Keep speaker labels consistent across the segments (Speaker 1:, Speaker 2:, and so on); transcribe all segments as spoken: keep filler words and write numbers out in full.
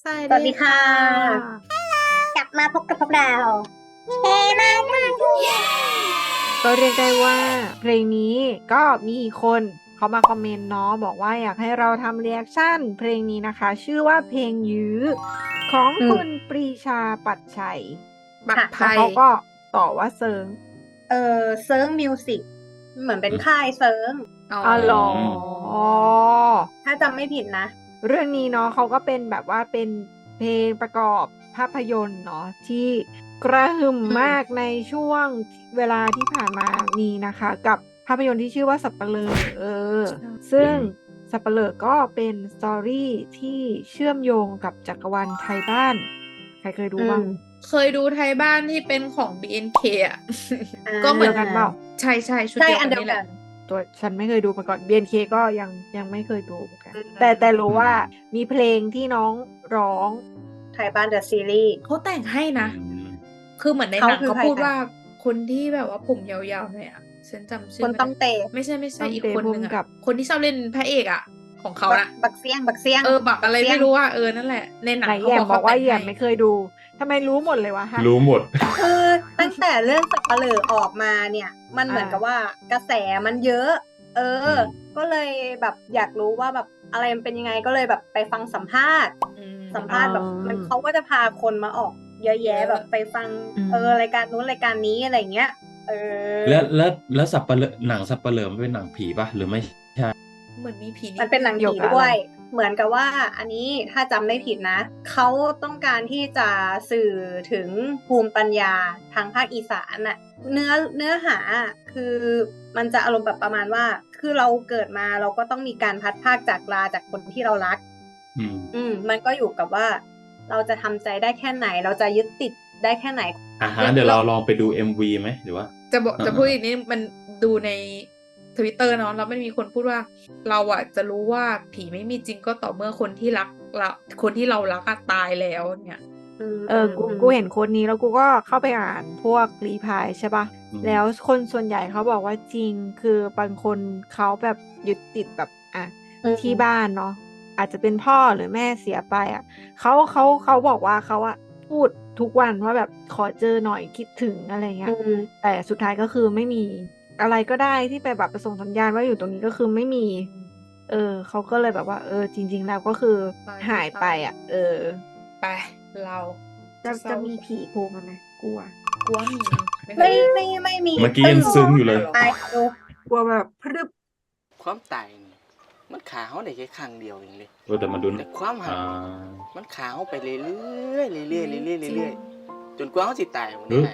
Speaker 1: สวัส
Speaker 2: สวัส
Speaker 1: ดี
Speaker 2: ดี
Speaker 1: ค่
Speaker 2: ค่ะ
Speaker 1: ะ
Speaker 2: กลับมาพบกับพวกเราเฮมากมาก
Speaker 3: ก็เรียกได้ว่าเพลงนี้ก็มีคนเขามาคอมเมนต์เนาะบอกว่าอยากให้เราทำเรีแอคชั่นเพลงนี้นะคะ ชื่อว่าเพลงยื้อของ
Speaker 2: อื
Speaker 3: คุ
Speaker 2: ม
Speaker 3: ณปรีชาปัตย์ชัย
Speaker 1: บัตร
Speaker 2: ค่ะ
Speaker 1: ไท
Speaker 3: แล้ว
Speaker 1: ย
Speaker 3: เขาก็ต่อว่าเซิง
Speaker 2: เออเซิร์งมิวสิกเหมือนเป็น
Speaker 4: อืม
Speaker 2: ค่ายเซิร์ง
Speaker 1: อ๋อ
Speaker 3: อ๋อเหรอ
Speaker 2: ถ้าจำไม่ผิดนะ
Speaker 3: เรื่องนี้เนาะเขาก็เป็นแบบว่าเป็นเพลงประกอบภาพยนตร์เนาะที่กระหึ่ม
Speaker 2: อืม
Speaker 3: มากในช่วงเวลาที่ผ่านมานี้นะคะ กับภาพยนตร์ที่ชื่อว่าสัปเหร่อเออ ซึ่งสัปเหร่อก็เป็นสตอรี่ที่เชื่อมโยงกับจักรวาลไทยบ้าน ใครเคยดู
Speaker 2: อื
Speaker 3: บ้าง
Speaker 2: ม
Speaker 1: เคยดูไทยบ้านที่เป็นของ บี เอ็น เค อ่ะ
Speaker 2: อ่า
Speaker 1: ก็เหมื
Speaker 3: เดี
Speaker 1: อย น
Speaker 3: วกันเปล่า
Speaker 1: ใช่ใช่ชุด
Speaker 2: ใช่
Speaker 1: เดียว
Speaker 2: อั
Speaker 1: กัน น
Speaker 2: เดียว
Speaker 1: นี่แห
Speaker 2: กั
Speaker 1: ละ
Speaker 2: น
Speaker 3: ตัวฉันไม่เคยดูมาก่อน บี เอ็น เค ก็ยังยังไม่เคยดูเหมือนกัน
Speaker 2: อืม
Speaker 3: แต่แต่รู้ว่ามีเพลงที่น้องร้อง
Speaker 2: ไทยบ้านเดอะซีรีส์
Speaker 1: เขาแต่งให้นะ
Speaker 4: อืม
Speaker 1: คือเหมือนใน
Speaker 2: เขา
Speaker 1: หนัง
Speaker 2: คือ
Speaker 1: เขา
Speaker 2: ใคร
Speaker 1: พูด
Speaker 2: คะ
Speaker 1: ว่าคนที่แบบว่าผมยาวๆหน่อยอ่ะฉันจำชื่
Speaker 2: ค
Speaker 1: อน ไม่
Speaker 2: ต้อง
Speaker 1: ได้
Speaker 2: เต
Speaker 1: ไม่ใช่ไม่ใช่
Speaker 3: ต้อง
Speaker 1: อีก
Speaker 3: เต
Speaker 1: คนหนึ่ง
Speaker 3: ภูมิกั
Speaker 1: อ่ะ
Speaker 3: บ
Speaker 1: คนที่ชอบเล่นพระเอกอ่ะ ของเขา
Speaker 2: บัก
Speaker 1: น่ะ
Speaker 2: บักเซียง บักเซียง
Speaker 1: เออบักอะไร
Speaker 2: เซีย
Speaker 1: ไม่
Speaker 2: ง
Speaker 1: รู้อ่ะเออนั่นแหละ ในหนัง
Speaker 3: ไหน
Speaker 1: เขา
Speaker 3: แย
Speaker 1: บ
Speaker 3: ม
Speaker 1: อก
Speaker 3: บอ
Speaker 1: เขา
Speaker 3: กว่า
Speaker 1: แต่ง
Speaker 3: แย
Speaker 1: ให้
Speaker 3: มไม่เคยดูทำไมรู้หมดเลยวะฮะ
Speaker 4: รู้หมด
Speaker 2: คือตั้งแต่เรื่องสัปเหร่อออกมาเนี่ย มันเหมือน
Speaker 3: อ่า
Speaker 2: กับว่ากระแสมันเยอะ เออ
Speaker 4: อืม
Speaker 2: ก็เลยแบบอยากรู้ว่าแบบอะไรมันเป็นยังไง ก็เลยแบบไปฟังสัมภาษณ์
Speaker 1: อืม
Speaker 2: สัมภาษณ์แบบ
Speaker 3: อ๋อ
Speaker 2: มันเขาก็จะพาคนมาออกเยอะแยะ
Speaker 1: เยอะ
Speaker 2: แบบไปฟัง
Speaker 3: อืม
Speaker 2: เออ รายการนู้นรายการนี้อะไรอย่างเงี้ย เออ
Speaker 4: แล้วแล้วแล้วสับปะเลอหนังสับปะเลอมันเป็นหนังผีป่ะหรือไม่ใช่
Speaker 1: เหมือนมีผี
Speaker 2: มันเป็นหนัง
Speaker 3: เกี่ย
Speaker 2: ผี
Speaker 3: วกับ
Speaker 2: ด้
Speaker 3: อะ
Speaker 2: ว
Speaker 3: ไร
Speaker 2: ย เหมือนกับว่า อันนี้ถ้าจำไม่ผิดนะ เขาต้องการที่จะสื่อถึงภูมิปัญญาทางภาคอีสานน่ะ เนื้อเนื้อหาอะคือมันจะอารมณ์แบบประมาณว่า คือเราเกิดมาเราก็ต้องมีการพลัดพรากจากลาจากคนที่เรารัก
Speaker 4: อืม
Speaker 2: อืม มันก็อยู่กับว่า เราจะทำใจได้แค่ไหน เราจะยึดติดได้แค่ไหน
Speaker 4: อ่ะฮะเดี๋ยวเราลองไปดู เอ็ม วี ไหมหรือว่า
Speaker 1: จะบอก
Speaker 4: อ่า
Speaker 1: จะพูดอีกนิดมันดูในทวิตเตอร์เนาะแล้วมันมีคนพูดว่า เราอะจะรู้ว่าผีไม่มีจริงก็ต่อเมื่อคนที่รักเราคนที่เรารักอะตายแล้วเนี่ย
Speaker 2: อืม
Speaker 3: เออ กู
Speaker 2: อืม
Speaker 3: กูเห็นโค้ดนี้แล้วกูก็เข้าไปอ่านพวกรีพลายใช่ปะ
Speaker 4: อืม
Speaker 3: แล้วคนส่วนใหญ่เขาบอกว่าจริง คือบางคนเขาแบบยึดติดแบบอ่ะ
Speaker 2: อืม
Speaker 3: ที่บ้านเนาะอาจจะเป็นพ่อหรือแม่เสียไปอ่ะเขาเขาเขาบอกว่าเขาอะพูดทุกวันว่าแบบขอเจอหน่อยคิดถึงอะไรเงี้
Speaker 2: อื
Speaker 3: ย
Speaker 2: ม
Speaker 3: แต่สุดท้ายก็คือไม่มีอะไรก็ได้ที่ไปแบบประส่งสัญญาณว่าอยู่ตรงนี้ก็คือไม่มี เออเขาก็เลยแบบว่า เออ จริง ๆ แล้วก็คือ
Speaker 1: ตาย
Speaker 3: หายไป
Speaker 1: ตาย
Speaker 3: อ่ะ เออ
Speaker 1: ไปเรา
Speaker 3: จะ
Speaker 1: เศร้า
Speaker 3: จะมีผีโผล่มาไหมกลัว
Speaker 1: กลัวมีไม่เค
Speaker 2: ไม่
Speaker 1: ย
Speaker 2: ไม่ไม่มี
Speaker 4: เมื่อกี้ยังซึ้งอยู่เลย
Speaker 2: ไปดู
Speaker 3: กลัวแบบพรึบ
Speaker 5: ความตายนี่มันขาเขาได้แค่ครั้งเดียวเองเลย
Speaker 4: เออแต่มาดู
Speaker 5: แต่ความหัก
Speaker 4: อ่า
Speaker 5: มันขาเขาไปเรื่อยๆเรื่อยๆเรื่อยๆเรื่อยๆจนกว่าเขาสิตายวัน
Speaker 4: เอ
Speaker 5: นี้
Speaker 4: อ
Speaker 5: นะ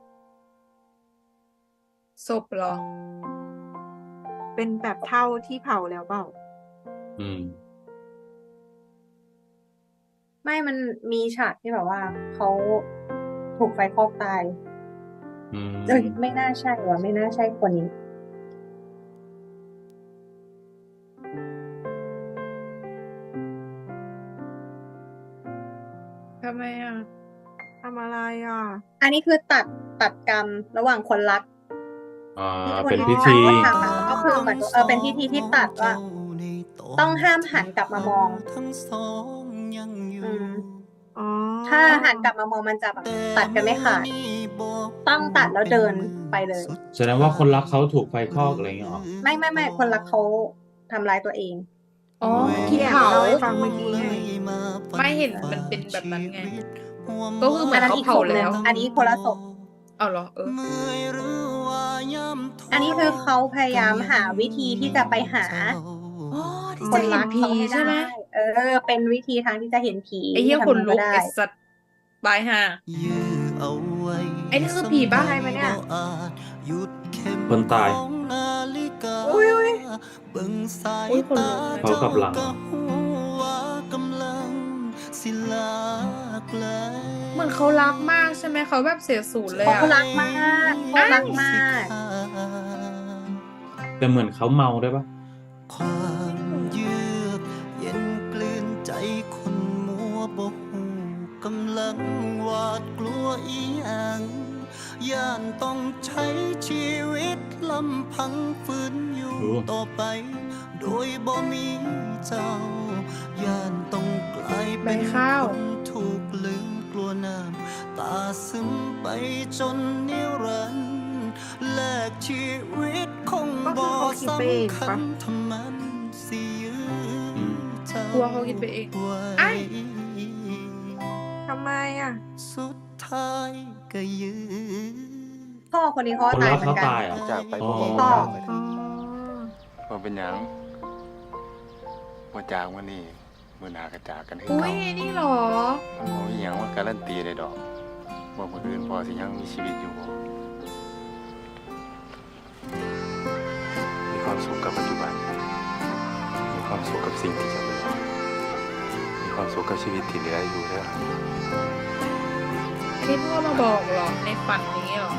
Speaker 1: ศพเหรอ
Speaker 3: เป็นแบบเท่าที่เผาแล้วเปล่า
Speaker 4: อืม
Speaker 2: ไม่มันมีฉากที่แบบว่าเขาถูกไฟคลอกตาย
Speaker 4: อืม
Speaker 2: เอ้ยไม่น่าใช่ว่ะไม่น่าใช่คนนี้
Speaker 1: ทำไมอ่ะ
Speaker 3: ทำอะไรอ่ะ
Speaker 2: อันนี้คือตัดตัดกรรมระหว่างคนรัก
Speaker 4: อ่า
Speaker 2: ที่คน
Speaker 4: เป็น
Speaker 2: ที่
Speaker 4: พิธี
Speaker 2: เขาทำอะก็คือเหมือนเออเป็นพิธีที่ตัดว่า ต้องห้ามหันกลับมามอง อืม
Speaker 3: อ๋อ
Speaker 2: ถ้าหันกลับมามองมันจะแบบตัดกันไม่ขาด ต้องตัดแล้วเดินไปเลย
Speaker 4: แสดงว่าคนรักเขาถูกไฟคลอกอะไรอย่างเงี้ยเหรอ
Speaker 2: ไม่ไม่ไม่คนรักเขาทำร้ายตัวเอง
Speaker 1: อ๋อ
Speaker 3: ที่
Speaker 1: ที่
Speaker 3: แอบ
Speaker 1: เผา
Speaker 3: เล่าให้ฟังเมื่อกี้ไง
Speaker 1: ไม่เห็นมันเป็นแบบนั้นไง ก็คือเหมื
Speaker 2: อั
Speaker 1: อน น
Speaker 2: นั้น
Speaker 1: เขา
Speaker 2: อีกศ
Speaker 1: เผา
Speaker 2: พหนึ่
Speaker 1: แล้
Speaker 2: ง
Speaker 1: ว
Speaker 2: อันนี้คนละศพ
Speaker 1: เอาเหรอเออ
Speaker 2: อันนี้คือเขาพยายามหาวิธีที่จะไปหา
Speaker 1: อ๋อที่
Speaker 2: ค
Speaker 1: จะ
Speaker 2: น
Speaker 1: เห็
Speaker 2: รั
Speaker 1: น
Speaker 2: ก
Speaker 1: ผี
Speaker 2: เขาให้
Speaker 1: ใช่ไหม
Speaker 2: ได้เออ เป็นวิธีทางที่จะเห็นผี
Speaker 1: ไอ้เหี้ย
Speaker 2: ทำ
Speaker 1: ขนลุก
Speaker 2: ได้
Speaker 1: ไอ้สัตว์ตายห่า ไอ้นี่คือผีบ้า
Speaker 3: ใช่ไหมเนี่ย
Speaker 4: คนตาย
Speaker 3: อุ้ยอุ้ย
Speaker 1: อุ้ยคนลุก
Speaker 4: เขากลับหลัง
Speaker 1: เหมือนเขารักมากใช่ไหมเขาแบบเสียศูนย์เลย
Speaker 2: เขา
Speaker 1: อ่ะ
Speaker 2: รักมากเขารักมาก
Speaker 4: แต่เหมือนเขาเมาด้วยปะ
Speaker 6: ความเยือกเย็นกลืนใจคนมัวบ่หูกำลังหวาดกลัวอีหยังย่านต้องใช้ชีวิตลำพังฝืนอยู่ต่อไปโดยบ่มีเจ้าย่านต้องกลาย
Speaker 1: ใบ
Speaker 6: เป็น
Speaker 1: ข้าว
Speaker 6: คนถูกลืมกลัวน้ำตาซึมไปจนนิรันดร์แลกชีวิตคง
Speaker 3: ก็คือ
Speaker 6: บ่
Speaker 3: เขาคิดไปเอง
Speaker 6: สำคั
Speaker 3: ปะ
Speaker 6: ญทำมันสิยื้อเจ้าก
Speaker 1: ลัวเขาคิดไปเอง
Speaker 6: ไว้
Speaker 1: ไอ้
Speaker 3: ทำไมอ่ะ
Speaker 6: สุดท้ายก็ยื้อ
Speaker 2: พ่อคนนี้เขา
Speaker 4: คน
Speaker 2: ตาย
Speaker 4: รัก
Speaker 2: เหมือ
Speaker 4: เขา
Speaker 2: นกัน
Speaker 4: ตายเหรอ
Speaker 5: จากไป
Speaker 4: อ๋
Speaker 5: บ่
Speaker 4: อ
Speaker 5: บอก
Speaker 2: พ่อ
Speaker 5: ทางเลย
Speaker 3: อ๋อ
Speaker 5: ว่าเป็นหยังว่าจากวันนี้มื้อหน้าก็จากกันคือ
Speaker 1: อุ้
Speaker 5: เก่าย
Speaker 1: นี่เหรอ
Speaker 5: มันบ่มีหยังว่าการันตีได้ดอกว่ามื้ออื่นพ่อสิยังมีชีวิตอยู่บ่มีความสุขกับปัจจุบัน มีความสุขกับสิ่งที่จะเป็นมีความสุขกับชีวิตที่เหลืออยู่เด้อ
Speaker 1: อันนี้พ่อมาบอกเหรอ ในฝันนี้เหรอ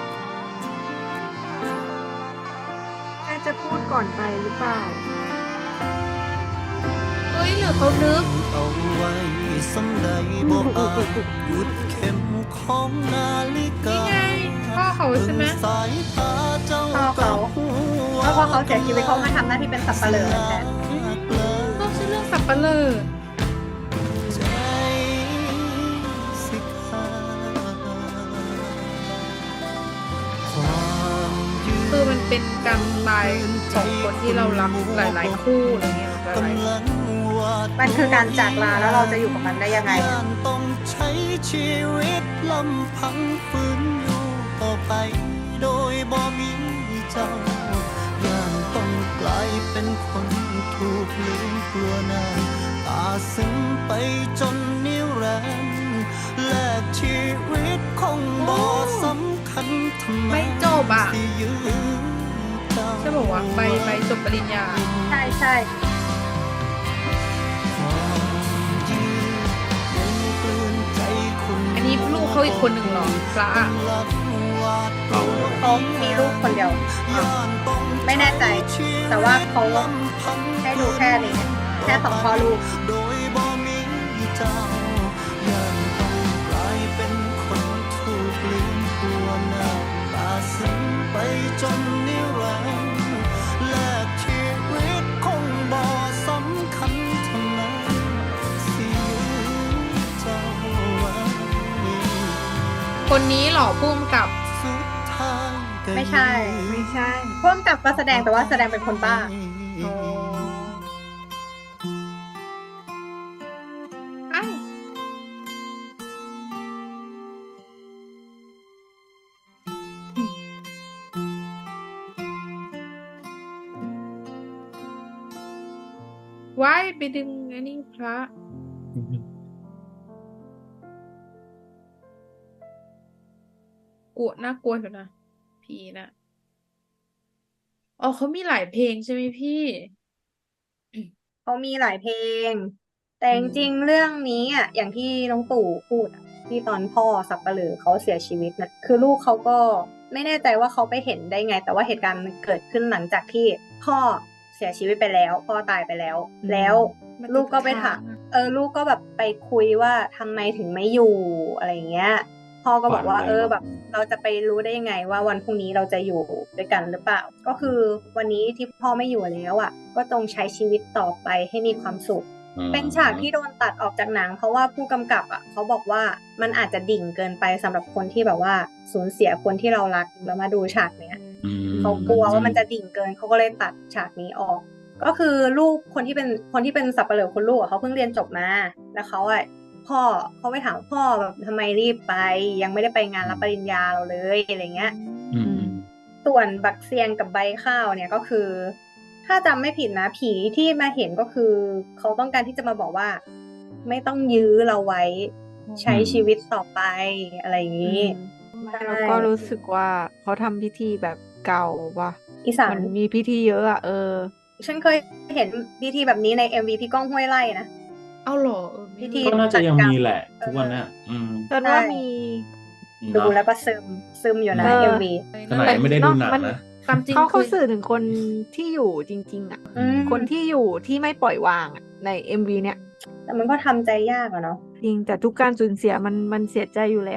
Speaker 3: แม่จะพูดก่อนไปหรือเปล่า
Speaker 1: เฮ้ยหรือเขานึก
Speaker 6: เอาไว้สำใดบ่อาจหยุดเข็มของนาฬิกา
Speaker 1: นี่ไงพ่อเขาใช่ไหม
Speaker 6: ถึงสายตาเจ้า
Speaker 2: พ่อเขา
Speaker 6: ก็หัว
Speaker 2: เพราะว่าเขาเสียชีวิตเขามาทำหน้าที่เป็นสับปะเหร่อแทน
Speaker 1: ต้องชื่อเรื่องสับปะเลอ
Speaker 6: ใจสิขาดความยืน
Speaker 1: คือมันเป็นการตายของคนที่เรารักหลาย ๆ คู่อะไรเงี้ยหลาย
Speaker 6: กำลังวาด
Speaker 2: มันคือการจากลาแล้วเราจะอยู่กับมันได้ยังไง
Speaker 6: ย่านต้องใช้ชีวิตลำพังฝืนอยู่ต่อไป โดยบ่มีเจ้าย่านต้องกลายเป็นคนถูกลืมกลัวหน้าตาซึ้งไปจนนิรันดร์แลกชีวิตคงบ่สำคัญทำไม
Speaker 1: ไม่จบอ่ะ
Speaker 6: สิยื้อเจ้า
Speaker 1: ๆจะบอกว่าใบใบจบปริญญา
Speaker 2: ใช่ใช่
Speaker 1: อันนี้ลูกเขาอีกคนหนึ่งเหรอพระอะ
Speaker 4: เขา
Speaker 2: เขามีลูกคนเดียว ไม่แน่ใจ แต่ว่าเขาให้ดูแค่นี้ แค่สองพ่อลูก
Speaker 6: โดยบ่มีเจ้าย่านต้องกลายเป็นคนถูกลืมตัวหน้าตาซึ้งไปจนนิรันดร์แลกชีวิตคงบ่สำคัญเท่านั้นสิยื้อเจ้าไว้
Speaker 1: คนนี้เหรอพุ่มกับ
Speaker 6: สุดท้ายก็
Speaker 2: ไม่ใช่
Speaker 3: ไม่ใช่
Speaker 2: พ่วงกับก็แสดงแต่ว่าแสดงเป็นคนบ้า
Speaker 1: อ๋ออ้าวว้ายไปดึงอันนี้พระ กลัวน่ากลัวอยู่นะ ผีนะอ๋อเขามีหลายเพลงใช่ไหมพี่
Speaker 2: เขามีหลายเพลง แต่จริงๆเรื่องนี้อ่ะอย่างที่น้องตู่พูดอ่ะที่ตอนพ่อสับปะเหร่อเขาเสียชีวิตนะคือลูกเขาก็ไม่แน่ใจว่าเขาไปเห็นได้ไง แต่ว่าเหตุการณ์มันเกิดขึ้นหลังจากที่พ่อเสียชีวิตไปแล้ว พ่อตายไปแล้ว
Speaker 1: อืม
Speaker 2: แล้ว
Speaker 1: มัน
Speaker 2: ลูกก็ไป
Speaker 1: ติด
Speaker 2: ถาม
Speaker 1: ค้างอะ
Speaker 2: เออลูกก็แบบไปคุยว่าทำไมถึงไม่อยู่อะไรอย่างเงี้ย พ่อก็บอกว่า
Speaker 4: ฝันอะไร
Speaker 2: เออ
Speaker 4: วะ
Speaker 2: แบบ เราจะไปรู้ได้ยังไงว่าวันพรุ่งนี้เราจะอยู่ด้วยกันหรือเปล่า ก็คือวันนี้ที่พ่อไม่อยู่แล้วอ่ะ ก็จงใช้ชีวิตต่อไปให้มีความสุข
Speaker 4: อืม
Speaker 2: เป็นฉากที่โดนตัดออกจากหนัง เพราะว่าผู้กำกับอ่ะเขาบอกว่ามันอาจจะดิ่งเกินไปสำหรับคนที่แบบว่าสูญเสียคนที่เรารักแล้วมาดูฉากเนี้ย
Speaker 4: อืม
Speaker 2: เขากลัวว่ามันจะดิ่งเกินเขาก็เลยตัดฉากนี้ออก ก็คือลูกคนที่เป็นคนที่เป็นสับปะเหร่อคนลูกอะเขาเพิ่งเรียนจบมาแล้วเขาอ่ะพ่อเขาไปถามพ่อแบบทำไมรีบไป ยังไม่ได้ไปงานรับปริญญาเราเลยอะไรเงี้ย
Speaker 4: อืม
Speaker 2: ส่วนบักเซียงกับใบข้าวเนี่ยก็คือ ถ้าจำไม่ผิดนะผีที่มาเห็นก็คือ เขาต้องการที่จะมาบอกว่า ไม่ต้องยื้อเราไว้ ใช้ชีวิตต่อไปอะไรอย่างนี้ ใช่
Speaker 3: แล้วก็รู้สึกว่าเขาทำพิธีแบบเก่าว่ะ
Speaker 2: อีสา
Speaker 3: มัน นมีพิธีเยอะอ่ะเออ
Speaker 2: ฉันเคยเห็นพิธีแบบนี้ใน เอ็ม วี พี่ก้องห้วยไร่นะ
Speaker 1: เอาเหรอเออไม่
Speaker 2: พิธี
Speaker 1: รู้
Speaker 4: ก็น่าจะยังมีแหละทุกวันเนี้ยอืม
Speaker 3: จนว่า
Speaker 2: ใช่
Speaker 3: มี
Speaker 2: ดู
Speaker 4: เนาะ
Speaker 2: แล้วก็ซึมซึมอยู่นะ
Speaker 3: เออ
Speaker 2: เอ็ม วี
Speaker 4: ขนาดยังไม่ได้ดูหนัง
Speaker 3: มัน
Speaker 4: นะ
Speaker 1: ตามจริง
Speaker 3: เขาเขา
Speaker 1: คือ
Speaker 3: สื่อถึงคนที่อยู่จริง ๆ อ่ะ
Speaker 2: อืม
Speaker 3: คนที่อยู่ที่ไม่ปล่อยวางอ่ะใน เอ็ม วี เนี่ย
Speaker 2: แต่มันก็ทำใจยากอะเนาะ
Speaker 3: จริงแต่ทุกการสูญเสียมันมันเสียใจอยู่แล้วอ่ะ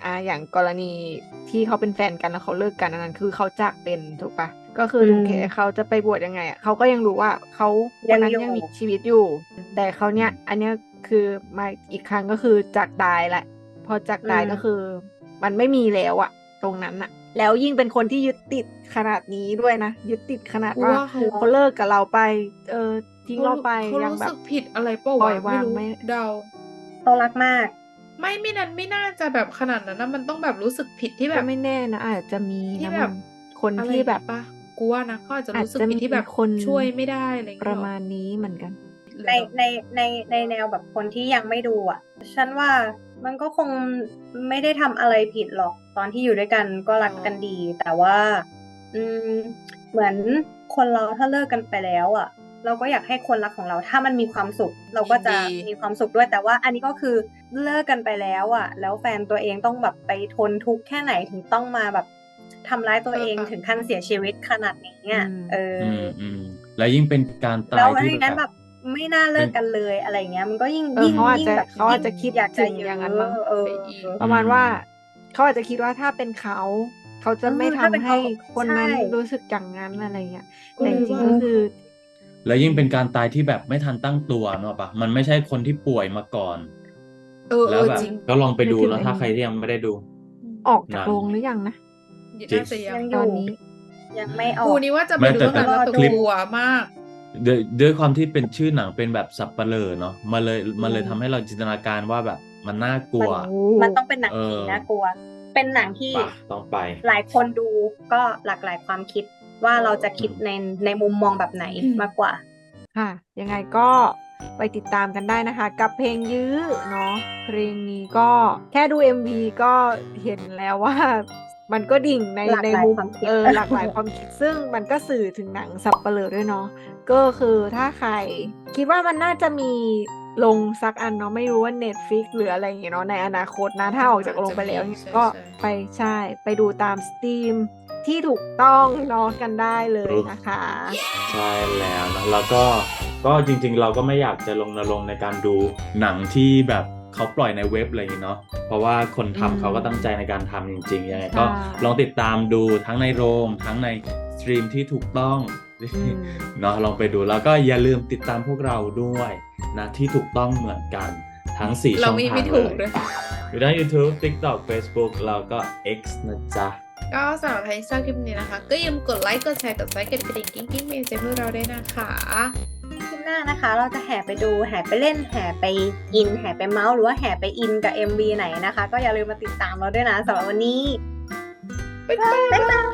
Speaker 3: อ่าอย่างกรณีที่เขาเป็นแฟนกันแล้วเขาเลิกกันอันนั้นคือเขาจากเป็นถูกปะก็คือถึงแค่เขาจะไปบวชยังไงอ่ะเขาก็ยังรู้ว่าเขาคนนั้นยังมีชีวิตอยู่ แต่เขาเนี้ยอันเนี้ยคือมาอีกครั้งก็คือจากตายแหละพอจากตายก็คือมันไม่มีแล้วอะตรงนั้นอะแล้วยิ่งเป็นคนที่ยึดติดขนาดนี้ด้วยนะยึดติดขนาด
Speaker 1: กู
Speaker 3: ว่า
Speaker 1: ว่าเขา
Speaker 3: เขาเลิกกับเราไป เออทิ้งเราไป
Speaker 1: เขา
Speaker 3: ยัง
Speaker 1: รู้
Speaker 3: แบ
Speaker 1: สึ
Speaker 3: บ
Speaker 1: กผิดอะไรเปล่า
Speaker 3: ปล่
Speaker 1: วะ
Speaker 3: อยวาง
Speaker 1: ไม่รู้
Speaker 3: ไม่
Speaker 1: เดา
Speaker 2: เขารักมาก
Speaker 1: ไม่ไม่นั้นไม่น่าจะแบบขนาดนั้นนะมันต้องแบบรู้สึกผิดที่แบ
Speaker 3: ก็
Speaker 1: บ
Speaker 3: ไม่แน่นะอาจจะมี
Speaker 1: ที่
Speaker 3: นะ
Speaker 1: แบบ
Speaker 3: มึงคน
Speaker 1: อะไร
Speaker 3: ที่แบบ
Speaker 1: ปะกูว่านะเขาอาจจะ
Speaker 3: อาจ
Speaker 1: รู้สึก
Speaker 3: จะ
Speaker 1: ผิ
Speaker 3: มี
Speaker 1: ดที่แบบ
Speaker 3: คน
Speaker 1: ช่วยไม่ได้อะไรอย่าง
Speaker 3: ป
Speaker 1: เงี้ย
Speaker 3: ระ
Speaker 1: หรอ
Speaker 3: มาณนี้เหมือนกัน
Speaker 1: หรือ
Speaker 2: ใน
Speaker 1: แบบ
Speaker 2: ในในในแนวแบบคนที่ยังไม่ดูอ่ะ ฉันว่ามันก็คงไม่ได้ทำอะไรผิดหรอก ตอนที่อยู่ด้วยกันก็รักกันดี แต่ว่า อืม เหมือนคนเราถ้าเลิกกันไปแล้วอ่ะ เราก็อยากให้คนรักของเราถ้ามันมีความสุข เราก็จะ
Speaker 1: ยินดี
Speaker 2: มีความสุขด้วย แต่ว่าอันนี้ก็คือเลิกกันไปแล้วอ่ะ แล้วแฟนตัวเองต้องแบบไปทนทุกข์แค่ไหนถึงต้องมาแบบทำร้ายตัวเองถึงขั้นเสียชีวิตขนาดนี้อ่ะ
Speaker 3: อืม
Speaker 2: เออ
Speaker 4: อืมอืมแล้วยิ่งเป็นการตา
Speaker 2: แล้
Speaker 4: ยว ที่
Speaker 2: ไม่งั้น
Speaker 4: แบ
Speaker 2: แบบ บไม่น่าเลิกกันเลยอะไรเงี้ย มันก็ยิ่ง
Speaker 3: เออ
Speaker 2: ยิ่ง
Speaker 3: เขาอาจ
Speaker 2: ยิ่ง
Speaker 3: จะ
Speaker 2: แบบ
Speaker 3: เขาอาจจะ
Speaker 2: ยิ่ง
Speaker 3: คิด
Speaker 2: อยากจะ
Speaker 3: ถึง
Speaker 2: เย
Speaker 3: อย่างนั้
Speaker 2: อะ
Speaker 3: นมั้ง
Speaker 2: เออ
Speaker 1: ไปอีก
Speaker 3: ประมาณ
Speaker 4: อืม
Speaker 3: ว่าเขาอาจจะคิดว่าถ้าเป็นเขา เขาจะ
Speaker 2: เออ
Speaker 3: ไม่
Speaker 2: ถ้าเป็น
Speaker 3: ทำ
Speaker 2: เขา
Speaker 3: ให้คนนั้น
Speaker 2: ใช่
Speaker 3: รู้สึกอย่างนั้นอะไรเงี้ย
Speaker 1: ก็
Speaker 3: แต่
Speaker 1: เล
Speaker 3: จ
Speaker 1: ย
Speaker 3: ริง
Speaker 1: ว่า
Speaker 3: ๆ ก็คือ
Speaker 4: แล้วยิ่งเป็นการตายที่แบบไม่ทันตั้งตัวเนอะปะมันไม่ใช่คนที่ป่วยมาก่อน
Speaker 1: เออเอ
Speaker 4: แล้ว
Speaker 1: อ
Speaker 4: แบบ
Speaker 1: จริง
Speaker 4: ก็ลองไป
Speaker 3: นึก
Speaker 4: ดู
Speaker 3: ถึง
Speaker 4: เนอะ
Speaker 3: ไอ้
Speaker 4: ถ้า
Speaker 3: นี่
Speaker 4: ใครที่ยังไม่ได้ดู
Speaker 1: อืม
Speaker 3: ออกจาก
Speaker 4: หนัง
Speaker 3: โรงหรือยังนะ
Speaker 1: น่า
Speaker 4: จริง
Speaker 1: จะยัง
Speaker 2: ยังอ
Speaker 3: ตอยู่ นนี้
Speaker 2: ยังไม่ออ
Speaker 1: กู
Speaker 2: ก
Speaker 1: นี่ว่าจะไป
Speaker 4: ไม่
Speaker 1: ดู
Speaker 4: แต่
Speaker 1: ตั้ง
Speaker 4: แต่
Speaker 1: นานแล้ว
Speaker 2: รอ
Speaker 1: แต่
Speaker 2: ดู
Speaker 1: กลัวมาก
Speaker 4: ด้วยด้วยความที่เป็นชื่อหนังเป็นแบบสัปเหร่อเนาะมันเลยมันเลย
Speaker 3: อืม
Speaker 4: ทำให้เราจินตนาการว่าแบบมันน่ากลั
Speaker 2: มัน
Speaker 4: ว
Speaker 3: โอ้
Speaker 2: มันต้องเป็นหนัง
Speaker 4: เอ
Speaker 2: ผี
Speaker 4: อ
Speaker 2: น่ากลัว เป็นหนังที่
Speaker 4: ปะต้องไป
Speaker 2: หลายคนดูก็หลากหลายความคิดว่าเราจะคิด
Speaker 4: อืม
Speaker 2: ในในมุมมองแบบไหน
Speaker 1: อืม
Speaker 2: มากกว่า
Speaker 3: ค่ะ ยังไงก็ไปติดตามกันได้นะคะ กับเพลงยื้อเนาะเพลงนี้ก็แค่ดู เอ็ม วี ก็เห็นแล้วว่า มันก็ดิ่งใน
Speaker 2: หลาก
Speaker 3: ใน
Speaker 2: หลาย
Speaker 3: มุม
Speaker 2: ความคิด
Speaker 3: เออหลากหลายความคิด ซึ่งมันก็สื่อถึงหนังสัปเหร่อด้วยเนาะก็คือถ้าใคร คิดว่ามันน่าจะมีลงสักอันเนาะไม่รู้ว่า Netflix หรืออะไรอย่างเงี้ยเนาะในอนาคตนะ ถ้าออกจากโรงไปแล้ว
Speaker 1: น่าจะมีใช่
Speaker 3: ก็
Speaker 1: ใช่
Speaker 3: ไปใช่ไปดูตามสตรีมที่ถูกต้องเนาะกันได้เลยนะคะ
Speaker 4: ใช่แล้วนะแล้วก็ก็จริงๆ เราก็ไม่อยากจะลงนรงค์ในการดูหนังที่แบบเขาปล่อยในเว็บอะไรอย่างงี้เนาะเพราะว่าคน
Speaker 3: อืม
Speaker 4: ทำเขาก็ตั้งใจในการทำจริงๆยังไงก็
Speaker 3: ใช่
Speaker 4: ลองติดตามดูทั้งในโรงทั้งในสตรีมที่ถูกต้อง
Speaker 3: อืม
Speaker 4: เนาะลองไปดูแล้วก็อย่าลืมติดตามพวกเราด้วยนะที่ถูกต้องเหมือนกันทั้งสี่
Speaker 1: เรา
Speaker 4: ช่อง
Speaker 1: มี
Speaker 4: ทาง
Speaker 1: ไม่
Speaker 4: เล
Speaker 1: ถูก
Speaker 4: ย
Speaker 1: ด้วย
Speaker 4: อยู่ทั้ง YouTube TikTok Facebook แล้วก็ X นะจ๊ะ
Speaker 1: ก็สำหรับใครที่ชอบคลิปนี้นะคะ ก็อย่าลืมกดไลค์ กดแชร์ กดซับสไครต์กดกระดิ่งกิ้งกิ้งเมนเจพวกเราได้วยนะคะ
Speaker 2: คลิปหน้านะคะ เราจะแห่ไปดู แห่ไปเล่น แห่ไปอิน แห่ไปเมาส์ หรือว่าแห่ไปอินกับ เอ็ม วี ไหนนะคะ ก็อย่าลืมมาติดตามเราด้วยนะสำหรับวันนี้
Speaker 1: บ๊ายบาย
Speaker 2: บ๊ายบาย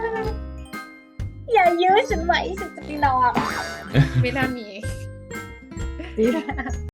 Speaker 2: อย่ายื้อฉันไว้ฉันจะไปนอน
Speaker 1: ไม่น่ามี
Speaker 3: นี่